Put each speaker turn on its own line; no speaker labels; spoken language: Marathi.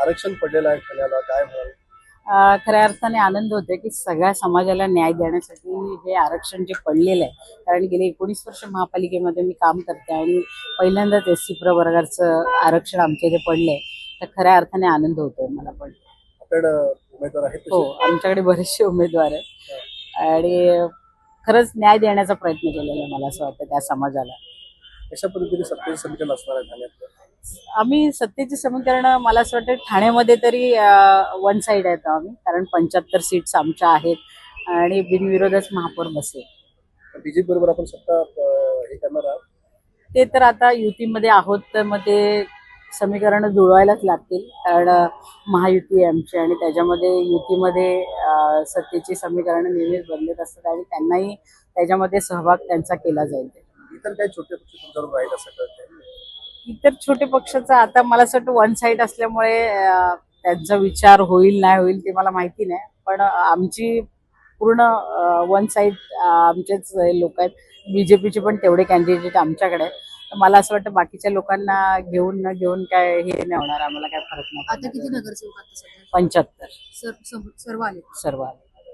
आरक्षण पडलेलं आहे ठाण्याला, काय म्हणाल?
खऱ्या अर्थाने आनंद होतोय की सगळ्या समाजाला न्याय देण्यासाठी हे आरक्षण जे पडलेलं आहे, कारण गेले 19 वर्ष महापालिकेमध्ये मी काम करते आणि पहिल्यांदाच SC प्रवर्गाचं आरक्षण आमच्या इथे पडलंय, तर खऱ्या अर्थाने आनंद होतोय मला पण.
आपल्याकडं उमेदवार आहेत
हो,
तसे?
आमच्याकडे बरेचसे उमेदवार आहेत आणि खरंच न्याय देण्याचा प्रयत्न केलेला आहे मला असं वाटतं त्या समाजाला.
कशा पद्धतीने सत्तेचं समीकरण असणार आहे ठाण्यात?
आम्ही सत्तेचे समीकरण मला असं वाटतं ठाण्यामध्ये तरी वन साईड आहेत आम्ही, कारण 75 सीट्स आमच्या आहेत आणि बिनविरोधच महापौर बसेल.
बीजेपी बरोबर आपण सत्ता हे करणार आहात?
ते तर आता युतीमध्ये आहोत तर मग ते समीकरण जुळवायलाच लागतील, कारण महायुती आहे आमची आणि त्याच्यामध्ये युतीमध्ये सत्तेची समीकरणं नेहमीच बदलत असतात आणि त्यांनाही त्याच्यामध्ये सहभाग त्यांचा केला जाईल.
इतर काही छोटे पक्ष तुमच्यावर राहील असं कळतंय?
इतर छोटे पक्षाचं आता मला असं वाटतं वन साईड असल्यामुळे त्यांचा विचार होईल नाही होईल ते मला माहिती नाही, पण आमची पूर्ण वन साईड आमचेच लोक आहेत. बीजेपीचे पण तेवढे कॅन्डिडेट आमच्याकडे आहेत. तर मला असं वाटतं बाकीच्या लोकांना घेऊन न घेऊन काय हे नाही होणार, आम्हाला काय फरक नाही.
आता किती नगरसेवक आता सध्या?
75
सर्व आले.
सर्व आले.